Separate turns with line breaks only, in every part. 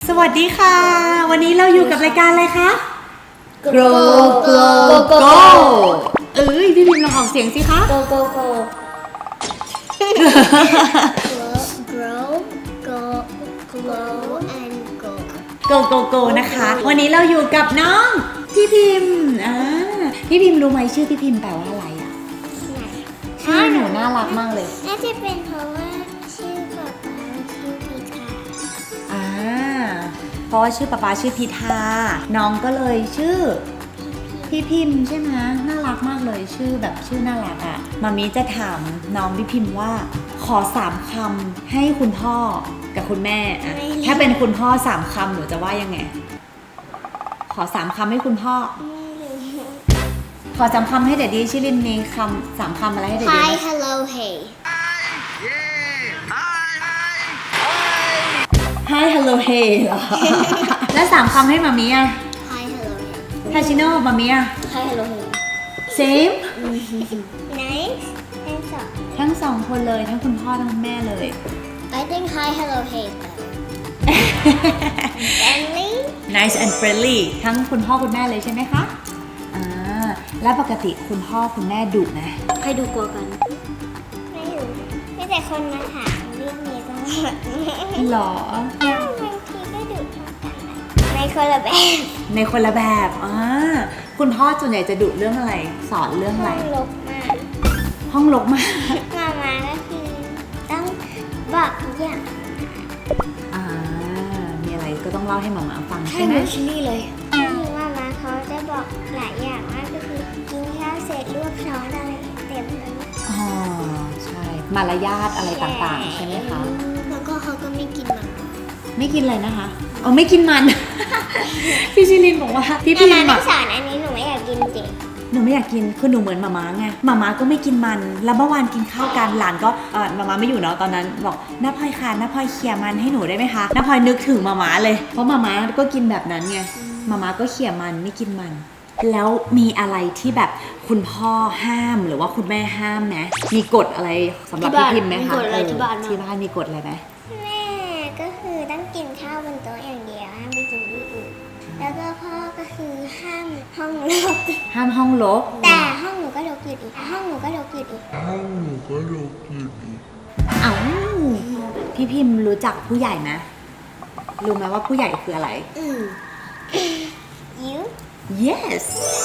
สวัสดีค่ะวันนี้เราอยู่กับรายการอะไรคะ Grow Grow Go พี่พิมพ์ลองออกเสียงสิคะ
Go Go Go Grow Go Grow and Go
Go Go Go นะคะ วันนี้เราอยู่กับน้องพี่พิมพ์พี่พิมพ์รู้ไหมชื่อพี่พิมพ์แปลว่าอะไรอ่ะชื่อหนูน่ารักมากเลย
น่าจะเป็นเพราะว่าชื่อป๊าป๊าชื่อพิธา
เพราะว่าชื่อป๊าป๊าชื่อพิธาน้องก็เลยชื่อพี่พิมพ์ใช่ไหมน่ารักมากเลยชื่อแบบชื่อน่ารักอ่ะมามิจะถามน้องพี่พิมพ์ว่าขอ3 คำให้คุณพ่อกับคุณแม่อะถ้าเป็นคุณพ่อ3 คำหนูจะว่ายังไงขอ3 คำให้คุณพ่อขอ3 คำให้เดดดี้ชิลินมี3 คำอะไรให้เดดดี้
Hi Hello Hey
Hi Hello Hey เหรอ แล้ว3 คำให้มามิอะ
Hi Hello Hey
ทาชิโน่มามิอะ
Hi Hello Hey
Same
Nice
ทั้ง 2 คนเลยทั้งคุณพ่อทั้งคุณแม่เลย
I think Hi Hello Hey Friendly
Nice and friendly ทั้งคุณพ่อคุณแม่เลยใช่ไหมคะแล้วปกติคุณพ่อคุณแม่ดุนะ
ใครดูกลัวกันไม่รู้ไม่แต่คนมาถามเรื่องนี้ตลอด
หรอบ
างทีก็ดุเท่ากันในคนละแบบ
ในคนละแบบคุณพ่อส่วนใหญ่จะดุเรื่องอะไรสอนเรื่องอะไรห้องรกมาก
มาก็คือต้องบอกทุกอย่าง
มีอะไรก็ต้องเล่าให้หมาฟังใช่ไหม
ชิลี่เลยมาเขาจะบอกหลายอย่างมากก็คือกินข้าวเสร็จลวกช้อนอะไรเต็มเลย
ใช่มารยาทอะไรต่างๆใช่ไหมคะ
แล้วก็เขาก็ไม่กินมัน
ไม่กินเลยนะคะไม่กินมัน พี่ชิลินบอกว่าพี่พิมพ์
สอนอันนี้หนูไม่อยากกินจริง
หนูไม่อยากกินคือหนูเหมือนหม่าไงหม่าก็ไม่กินมันแล้วเมื่อวานกินข้าวกันหลานก็หม่าไม่อยู่เนาะตอนนั้นบอกน้าพลอยค่ะน้าพลอยเคี่ยมันให้หนูได้ไหมคะน้าพลอยนึกถึงหม่าเลยเพราะหม่าก็กินแบบนั้นไงหม่าก็เคี่ยมันไม่กินมันแล้วมีอะไรที่แบบคุณพ่อห้ามหรือว่าคุณแม่ห้ามไหมมีกฎอะไรสำหรับพี่พิมพ์ไหมคะที่บ้านมีกฎอะไรไหม
แม่ก็คือต้องกินข้าวบนโต๊ะอย่างเดียวห้ามไปกินที่อื่นแล้วก็พ่อก็คือห้ามห้องรก
ห้ามห้องรก
แต่ห้องหนูก็รกอยู่ดีห้องหนูก็รกอยู่ดี
พี่พิมพ์รู้จักผู้ใหญ่ไหมรู้ไหมว่าผู้ใหญ่คืออะไร
You
Yes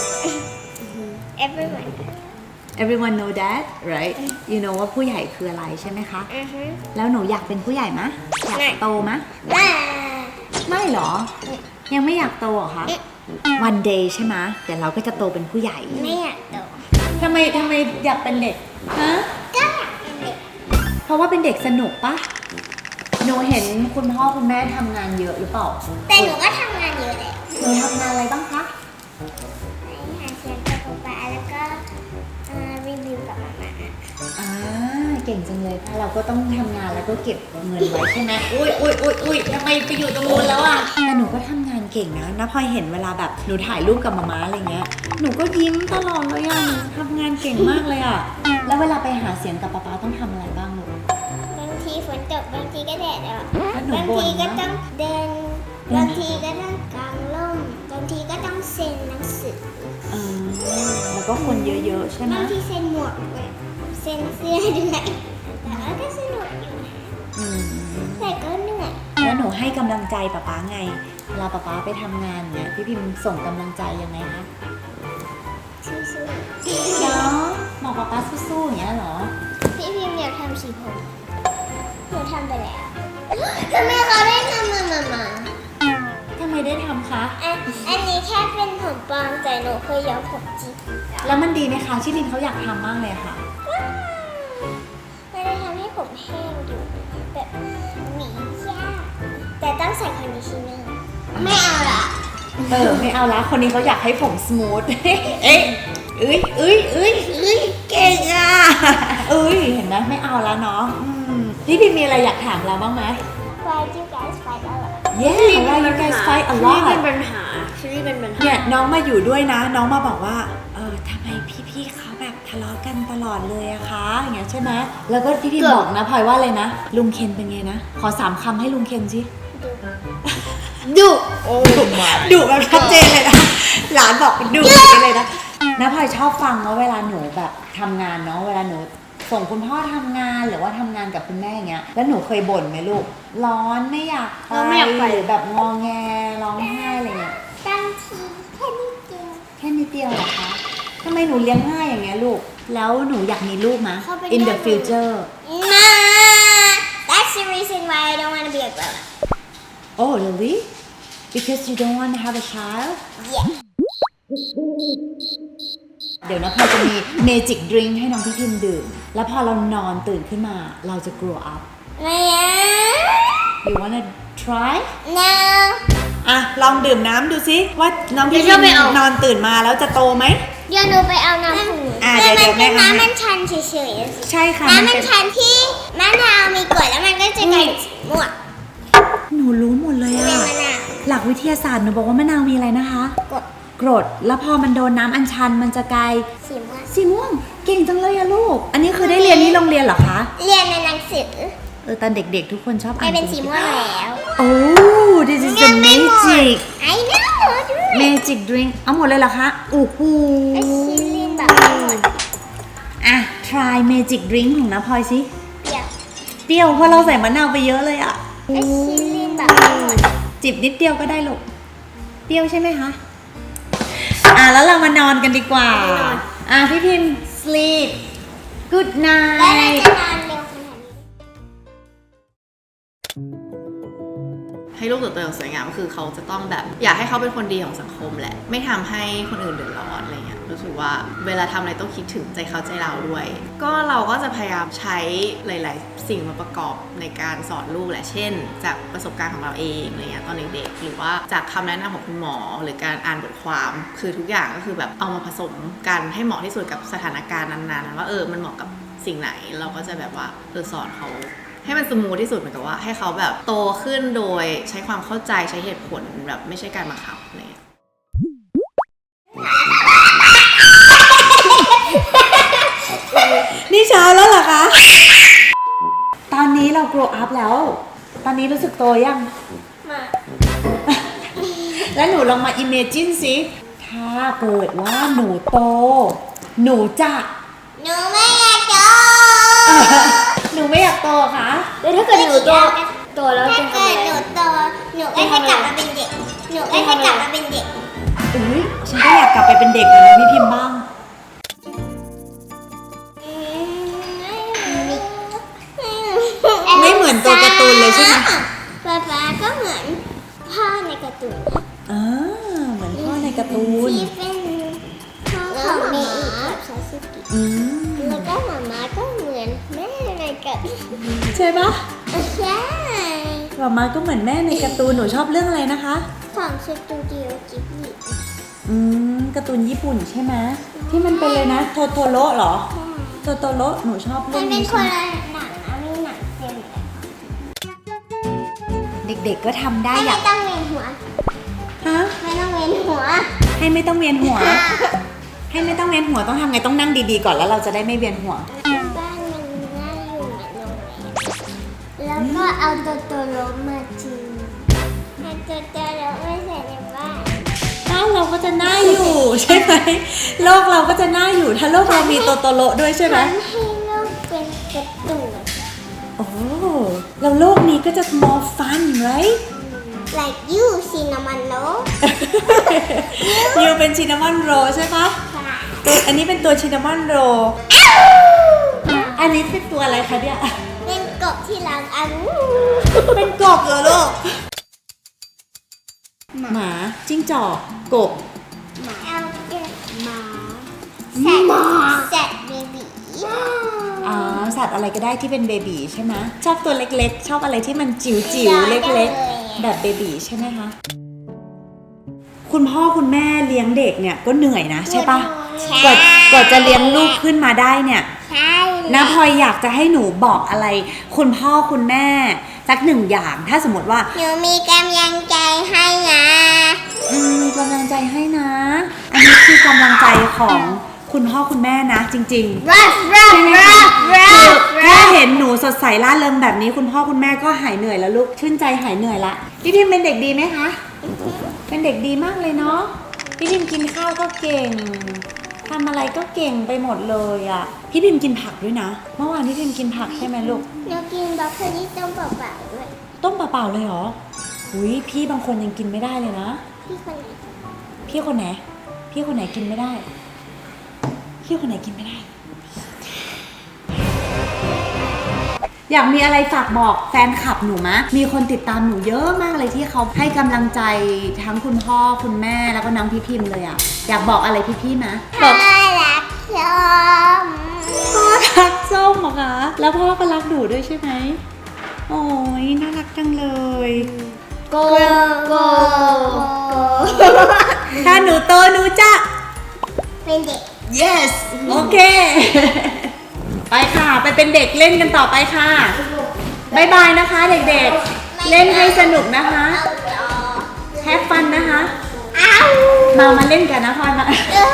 Everyone know that right You know ว่าผู้ใหญ่คืออะไรใช่ไหมคะแล้วหนูอยากเป็นผู้ใหญ่ไหมอยากโตไหมไม่หรอยังไม่อยากโตหรอคะ One day ใช่ไหมเดี๋ยวเราก็จะโตเป็นผู้ใหญ่
ไม่อยากโต
ทำไมอยากเป็นเด็กฮะ
ก็อยากเป็นเด็ก
เพราะว่าเป็นเด็กสนุกปะหนูเห็นคุณพ่อคุณแม่ทำงานเยอะหรือเปล่า
แต่หนูก็ทำงานเยอะเลย
หนูทำงานอะไรบ้างคะ
หาเสียงกับป๊าแล้วก็รีวิวกับมาม่า
เก่งจังเลยเราก็ต้องทำงานแล้วก็เก็บเงินไว้ใช่ไหมอุ้ยทำไมไปอยู่ตรงนู้นแล้วอ่ะแต่หนูก็ทำงานเก่งนะพลอยเห็นเวลาแบบหนูถ่ายรูปกับมาม่าอะไรเงี้ยหนูก็ยิ้มตลอดเลยอ่ะทำงานเก่งมากเลยอ่ะแล้วเวลาไปหาเสียงกับป๊าต้องทำอะไรบ้างลูก
บางทีฝนตกบางทีก็แดดออกบางทีก็ต้องเดินบางทีก็ต้องกางร่มบางทีก็ต้องเซ็นหนังสือ
แล้วก็คนเยอะๆใช่ไหม
บางทีเซ็นหมวกด้วยเซ็นเสื้อด้วยแต่ก็สนุกอยู่แต่ก็เหนื่อย
แล้วหนูให้กำลังใจป๊าไงเวลาป๊าไปทำงานเนี่ยพี่พิมส่งกำลังใจยังไงคะ
สู้
ๆเนาะบอกป๊าสู้ๆอย่างเงี้ยเหรอ
พี่พิมอยากทำสีผมหนูทำไปแล้วทำไมเขาได้ทำมา
ทำไมได้ทำคะ
อันนี้แค่เป็นผมปลอมแต่หนูเคยย้อมผมจริง
แล้วมันดีไหมคะชิลินเขาอยากทำมากเลยค่ะ
มันจะทำให้ผมแห้งอยู่แบบหวียากแต่ต้องใส่คอนดิชเนอร์ไม่เอาละ
ไม่เอาละคนนี้เขาอยากให้ผมสมูทเก่งอ่ะเห็นไหมไม่เอาละเนาะพี่พิมมีอะไรอยากถามเราบ้างไหม
Why do you guys fight a lot
Yeah why you guys fight a lot
เป็นปัญหา
เนี่ยน้องมาอยู่ด้วยนะน้องมาบอกว่าทำไมพี่เขาแบบทะเลาะกันตลอดเลยอะคะอย่างเงี้ยใช่ไหมแล้วก็พี่บอกนะพลอยว่าอะไรนะลุงเคนเป็นไงนะขอ3 คำให้ลุงเคนสิดุ
โอ้ my
ดุแบบชัดเจนเลยนะหลานบอกดุอย่างนี้เลยนะน้าพลอยชอบฟังว่าเวลาหนูแบบทำงานเนาะเวลาหนูส่งคุณพ่อทำงานหรือว่าทำงานกับคุณแม่อย่างเงี้ยแล้วหนูเคยบ่นไหมลูกร้อนไม่อยากไปหรือแบบงอแงร้องไห้อะไรเงี้ย
บางทีแค่นิดเดียว
แค่นิดเดียวเหรอคะทำไมหนูเลี้ยงง่ายอย่างเงี้ยลูกแล้วหนูอยากมีลูกไหม
เข้าไป
in
ได้
the future
Nah, that's the reason why I don't want to be a grown up.
oh really because you don't want to have a child
Yeah.
เดี๋ยวนะพอจะมีเมจิกดริงก์ให้น้องพี่พิมดื่มแล้วพอเรานอนตื่นขึ้นมาเราจะ grow up you wanna try
No.
อ่ะลองดื่มน้ำดูสิว่าน้องพี่พิมนอนตื่นมาแล้วจะโตไหม
เดี๋ยวหนูไปเอาน้ำผึ้ง
เดี๋ยวแม่เอาให้
น้ำมันชันเฉยๆสิ
ใช่ค่ะ
น้ำมัน
เป็น
ชันที่มะนาวมีกรดแล้วมันก็จะกลายเป็นสีม่วง
หนูรู้หมดเลย
เป็น
อะ
มะนาว
หลักวิทยาศาสตร์หนูบอกว่ามะนาวมีอะไรนะคะ
กรด
กรดแล้วพอมันโดนน้ำอัญชันมันจะกลาย
สีม่วง
สีม่วงเก่งจังเลยอะลูกอันนี้คือได้เรียนที่โรงเรียนเหรอคะ
เรียนในหนังสือ
ตอนเด็กๆทุกคนชอบ
ไม่
อ่าน
เป็นสีม่วงแล้ว
โอ้ this is the
ยังไม่หมด
magic
I know dude
magic drink เอาหมดเลยเหรอคะโอ้โห
ไอชิลินแบบไม่หมด
อ่ะ try magic drink ของน้าพลอยสิ
เปรี้ยว
เปรี้ยวเพราะเราใส่มะนาวไปเยอะเลยอะ
ไอชิลินแบบไม่หมด
จิบนิดเดียวก็ได้ลูกเปรี้ยวใช่ไหมคะแล้วเรามานอนกันดีกว่าพี่พิมพ์ sleep good
แล้วเรา
night
จะนอนเร็วขนาดนี้
ให้ลูกเติบโตอย่างสวยงามก็คือเขาจะต้องแบบอยากให้เขาเป็นคนดีของสังคมแหละ ไม่ทำให้คนอื่นเดือดร้อนอะไรเงี้ยรู้สึกว่าเวลาทำอะไรต้องคิดถึงใจเขาใจเราด้วย ก็เราก็จะพยายามใช้หลาย ๆ สิ่งมาประกอบในการสอนลูกแหละเช่น จากประสบการณ์ของเราเองอะไรเงี้ยตอนเด็กๆหรือว่าจากคำแนะนำของคุณหมอหรือการอ่านบทความคือทุกอย่างก็คือแบบเอามาผสมกันให้เหมาะที่สุดกับสถานการณ์นั้นๆว่ามันเหมาะกับสิ่งไหนเราก็จะแบบว่าสอนเขาให้มันสมูทที่สุดเหมือนกับว่าให้เขาแบบโตขึ้นโดยใช้ความเข้าใจใช้เหตุผลแบบไม่ใช่การบังคับอะไรอย่างเงี้ย
นี่เช้าแล้วเหรอคะ ตอนนี้เรา grow up แล้ว ตอนนี้รู้สึกโตยัง
มา
แล้วหนูลองมา imagine สิถ้าเกิดว่าหนูโต หนูจะ
หนูไม่อยากโต
หนูไม่อยากโตคะ
แล้วถ้าเกิดหนูโตแล้ว
ถ้า
จะทำ
เกิ
อะ
ด
ไร
หนูโตหนูก็จะกลับมาเป็นเด็กหนูก็จะกลับมาเป็นเด็ก
อุ้ยฉันก็อยากกลับไปเป็นเด็กเหมือนพี่พิมพ์บ้าง ไม่เหมือนตัวการ์ตูนเลยใช่ไหม
ป๊าป๊าก็เหมือนพ่อในการ์ตูน
เหมือนพ่อในการ์ตูน
ที่เป็นพ่อของเมอีกับซาสึกิ
อืม
แล้วก็หม่าก็เหมือนแม่ในการ์ตูน
ใช่ปะ
ใช่
หมาก็เหมือนแม่ในการ์ตูนหนูชอบเรื่องอะไรนะคะ
ของสตูดิโอจิบลิ
การ์ตูนญี่ปุ่นใช่ไหมที่มันเป็นเลยนะโทโทโร่เหรอโทโทโร่หนูชอบ
มั
เรื่อน ง
เป็น
นี้
คน
ใช่ไหม
ละหนังนะมีหนังเต็มเลย
เด็กๆก็ทำได้
ไม่
อยาก
ต้องเวียนหัว
ฮะ
ไม่ต้องเวียนหัว
ให้ไม่ต้องเวียนหัว ให้ไม่ต้องเวียนหัวต้องทำไงต้องนั่งดีๆก่อนแล้วเราจะได้ไม่เวียนหัว
บ้านมันน่าอยู่เหมือนโรงแรมแล้วก็เอาตัวโลมาจีให้ตัวโลไม่ใส่ในบ้าน
บ้านเราก็จะน่าอยู่ ใช่ไหมโลกเราก็จะน่าอยู่ถ้าโลกเรามีโตโตโรด้วยใช่ไหม
ทำให้โลกเป็นการ์ตูน
โอ้แล้วโลกนี้ก็จะ more fun right
like you cinnamon roll
ยูเป็นชินนามอนโรใช่ปะตัวอันนี้เป็นตัวชินนามอนโรอันนี้เป็นตัวอะไรคะเนี่ย
เป็นกบที่ล้างอัน
เป็นกบเหรอลูกหมาจิ้งจอกกบ
เอาเด็กหมาสัตว์เบบี
สัตว์อะไรก็ได้ที่เป็นเบบีใช่ไหมชอบตัวเล็กๆ ชอบอะไรที่มันจิ๋วๆเล็กๆ แบบเบบีใช่ไหมคะคุณพ่อคุณแม่เลี้ยงเด็กเนี่ยก็เหนื่อยนะใช่ปะกว่าจะเลี้ยงลูกขึ้นมาได้เนี่ย
ใช่
นะพลอยอยากจะให้หนูบอกอะไร คุณพ่อคุณแม่สักหนึ่งอย่างถ้าสมมติว่า
หนูมีกำลังใจให้นะ
มีกำลังใจให้นะ อันนี้คือกำลังใจของคุณพ่อคุณแม่นะจริงๆ
รัฟรัฟรัฟรัฟ
แค่เห็นหนูสดใสร่าเริงแบบนี้คุณพ่อคุณแม่ก็หายเหนื่อยแล้วลูกชื่นใจหายเหนื่อยละพี่พิมเป็นเด็กดีไหมคะเป็นเด็กดีมากเลยเนาะพี่พิมกินข้าวก็เก่งทำอะไรก็เก่งไปหมดเลยอ่ะพี่พิมกินผักด้วยนะเมื่อวานพี่พิมกินผักใช่ไหมลูก
เรากินบรอกโคลีต้มเปล่าๆด้วย
ต้มเปล่าๆเลยเหรออุ้ยพี่บางคนยังกินไม่ได้เลยนะ
พี่คนไหน
พี่คนไหนพี่คนไหนกินไม่ได้พี่คนไหนกินไม่ได้ อยากมีอะไรฝากบอกแฟนคลับหนูมะมีคนติดตามหนูเยอะมากเลยที่เขาให้กำลังใจทั้งคุณพ่อคุณแม่แล้วก็น้องพี่พิมพ์เลยอะอยากบอกอะไรพี่ๆมะบอก
น่ารักชม
พ่อรักส้มเหรอคะแล้วพ่อก็รักหนูด้วยใช่ไหมโอ้ยน่ารักจังเลย
โกโก
ถ้าหนูโตหนูจะ
เป็นเด็ก
yes โอเค ไปค่ะ ไปเป็นเด็กเล่นกันต่อไปค่ะบายบายนะคะเด็กๆ เล่นให้สนุกนะคะแฮปฟันนะคะ
อ้าว
มาเล่นกันนะพลอยมา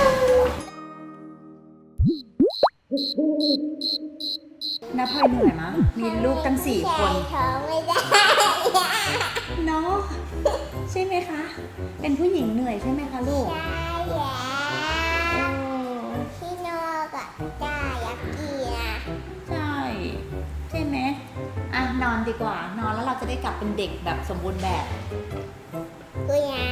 น้าพลอยเหนื่อยมะมีลูกตั้ง4 คน
ท้องไม่ได้
เนาะใช่ไหมคะ เป็นผู้หญิงเหนื่อยใช่ไหมคะลูก
ใช่แล้วพี่นกอะได้ยักษ์กีนะ
ใช่ใช่ไหมอ่ะนอนดีกว่า นอนแล้วเราจะได้กลับเป็นเด็กแบบสมบูรณ์แบบ
กูอยา